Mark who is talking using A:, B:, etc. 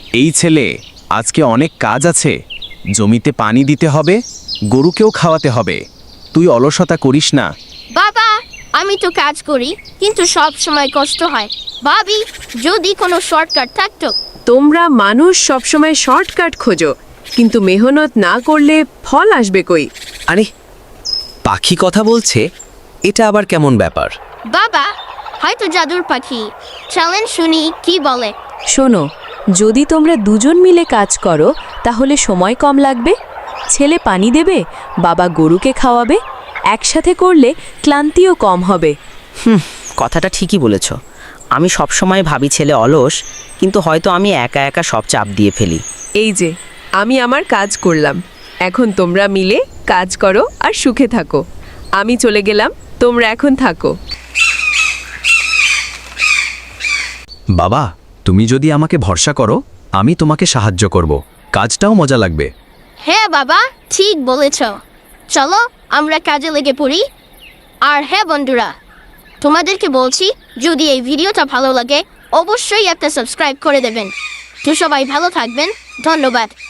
A: এই ছেলে, আজকে অনেক কাজ আছে। জমিতে পানি দিতে হবে, গরুকেও খাওয়াতে হবে। তুই অলসতা করিস না।
B: বাবা, আমি তো কাজ করি, কিন্তু সব সময় কষ্ট হয়। ভাবি, যদি কোনো শর্টকাট থাকতো।
C: তোমরা মানুষ সবসময় শর্টকাট খোঁজো, কিন্তু মেহনত না করলে ফল আসবে কই?
D: আরে, পাখি কথা বলছে, এটা আবার কেমন ব্যাপার?
B: বাবা, হয়তো জাদুর পাখি। চলেন শুনি কি বলে।
E: শোনো, যদি তোমরা দুজন মিলে কাজ করো তাহলে সময় কম লাগবে। ছেলে পানি দেবে, বাবা গরুকে খাওয়াবে। একসাথে করলে ক্লান্তিও কম হবে।
F: কথাটা ঠিকই বলেছ। আমি সবসময় ভাবি ছেলে অলস, কিন্তু হয়তো আমি একা একা সব চাপ দিয়ে ফেলি।
C: এই যে, আমি আমার কাজ করলাম, এখন তোমরা মিলে কাজ করো আর সুখে থাকো। আমি চলে গেলাম, তোমরা এখন থাকো।
A: বাবা, তুমি যদি আমাকে ভরসা করো, আমি তোমাকে সাহায্য করব। কাজটাও মজা লাগবে।
B: হ্যাঁ বাবা, ঠিক বলেছ। চলো আমরা কাজে লেগে পড়ি। আর হ্যাঁ বন্ধুরা, তোমাদেরকে বলছি, যদি এই ভিডিওটা ভালো লাগে অবশ্যই একটা সাবস্ক্রাইব করে দেবেন। তো সবাই ভালো থাকবেন, ধন্যবাদ।